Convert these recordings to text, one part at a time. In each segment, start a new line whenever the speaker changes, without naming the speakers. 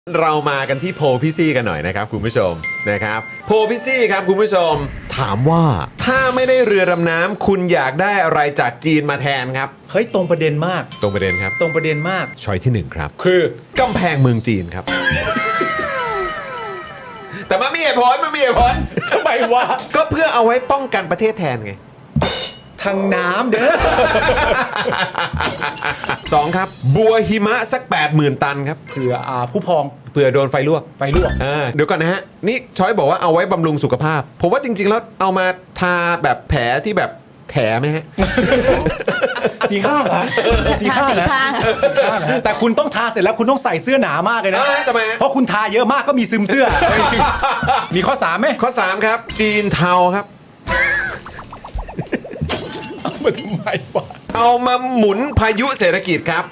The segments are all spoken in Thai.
เรามากันที่โพลพี่ซี่กันหน่อยนะครับคุณผู้ชมนะครับโพลพี่ซี่ครับคุณผู้ชมถามว่าถ้าไม่ได้เรือดำน้ำคุณอยากได้อะไรจากจีนมาแทนครับ
เฮ้ยตรงประเด็นมาก
ตรงประเด็นครับ
ตรงประเด็นมาก
ช้อยที่หนึ่งครับ
คือก
ำแพงเมืองจีนครับ แต่มันมีเหตุผล
ทำไมวะ
ก็เพื่อเอาไว้ป้องกันประเทศแทนไง
ทางน้ำเด้อ
2ครับบัวหิมะสัก 80,000 ตันครับ
เผื่อผู้พอง
เผื่อโดนไฟลวก
ไฟลวก
เดี๋ยวก่อนนะฮะนี่ช้อยบอกว่าเอาไว้บำรุงสุขภาพ ผมว่าจริงๆแล้วเอามาทาแบบแผลที่แบบแผลไหมฮะ
สีข้างนะสีข้างนะ
สีข้าง
สีข้างนะแต่คุณต้องทาเสร็จแล้วคุณต้องใส่เสื้อหนามากเลยนะ
ทำไมฮะ
เพราะคุณทาเยอะมากก็มีซึมเสื้อ มีข้อ3ไหม
ข้อ 3 ครับ จีนเทาครับ
เอามาทำไมวะ
เอามาหมุนพายุเศรษฐกิจครับ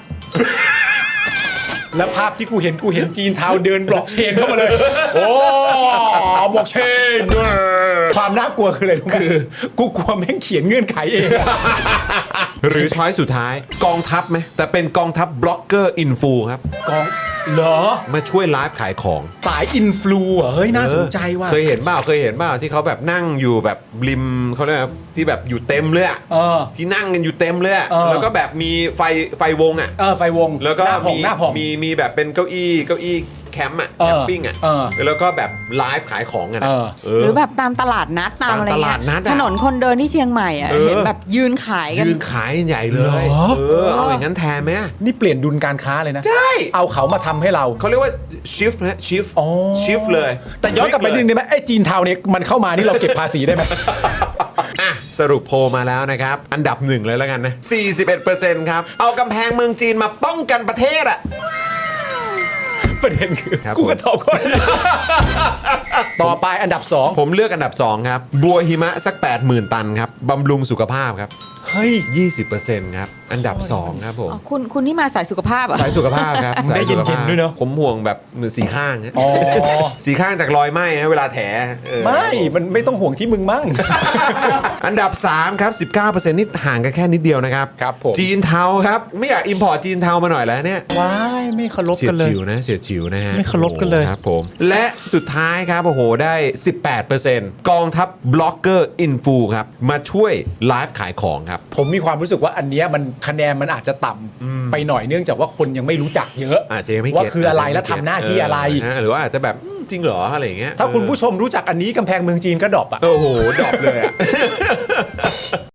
แล้วภาพที่กูเห็นจีนเทาเดินบล็อกเชนเข้ามาเลย โอ้บล็อกเชนความน่ากลัวคืออะไรรู้ไหมคือกูกลัวแม่งเขียนเงื่อนไขเองอะ
หรือช้อยสุดท้ายกองทัพไหมแต่เป็นกองทัพบล็อกเกอร์อินฟูครับ
กองเหรอ
มาช่วยไลฟ์ขายของ
สายอินฟลูอ่ะเฮ้ยน่าสนใจว่ะ
เคยเห็นเปล่าที่เขาแบบนั่งอยู่แบบริมเขาเรียกว่าที่แบบอยู่เต็มเลยอะ ที่นั่งกันอยู่เต็มเลยอะ แล้วก็แบบมีไฟวงอ่ะ
ไฟวง
แล้วก็
หน้าผ่อง
มีแบบเป็นเก้าอี้แคมป์อ่ะแคมปิ้งอ่ะแล้วก็แบบไลฟ์ขายของกันอะ
หรือแบบตามตลาดนัดตามอะไร
ตามต
เงี้
ลาย ดนัดอะ
ถนนคนเดินที่เชียงใหม่อ่ะเห็นแบบยืนขายกัน
ยืนขายใหญ่เลย เอาอย่างนั้นแทนไหม
นี่เปลี่ยนดุลการค้าเลยนะ
ใช่
เอาเขามาทำให้เรา
เขาเรียกว่าชิฟนะชิฟ
อ๋อ
ชิฟเลย
แต่ย้อนกลับไปนิดนึงได้ไหมไอ้จีนเทาเนี่ยมันเข้ามานี่เราเก็บภาษีได้ไหม
อ่ะสรุปโพลมาแล้วนะครับ อันดับหนึ่งเลยแล้วกันนะ 41%ครับ เอากำแพงเมืองจีนมาป้องกันประเทศอ่ะ
ประเด็นคือ
ครับ
กูก็ตอบก่อน ต่อไปอันดับ
ผมเลือกอันดับ 2 ครับ บัวหิมะสัก 80,000 ตันครับบำรุงสุขภาพครับ
เฮ้ย
20%ครับ อันดับ 2 ครับผม
อ๋อคุณนี่มาสายสุขภาพเหรอ่ะ
สายสุขภาพครับ
ได้เย็นๆ
สาสุขภาพ
ด้วยเนอะ
ผมห่วงแบบสีข้างฮะ
อ๋อ
สีข้างจากรอยไหม้ฮะเวลาแถ
มันไม่ต้องห่วงที่มึงมั่ง
อันดับ 3 ครับ 19%นี่ห่างกันแค่นิดเดียวนะครับ
ครับผม
จีนเทาครับ ไม่อยากอิมพอร์ตจีนเทามาหน่อยแล้วเนี่ย
ว้ายไม่เคารพ
เฉีย
กั
ด
นเลย
ฉิวนะเฉียดฉิวนะฮะ
ไม่เคารพกันเลย
โอ้โหครับผมและสุดท้ายครับโอ้โหได้ 18%กองทัพบล็อกเกอร์อินฟูครับมาช่วยไลฟ์ขายของครับ
ผมมีความรู้สึกว่าอันเนี้ยมันคะแนนมันอาจจะต่ำไปหน่อยเนื่องจากว่าคนยังไม่รู้จักเยอะ
อาจจะยังไม่
ว่า
เก็ต
คืออะไรและทำหน้าที่อะไร
หรือว่าอาจจะแบบจริงเหรออะไรอย่างเงี้ย
ถ้าคุณผู้ชมรู้จักอันนี้กำแพงเมืองจีนก็ดรอปอ่ะ
โอ้โหดรอปเลยอ่ะ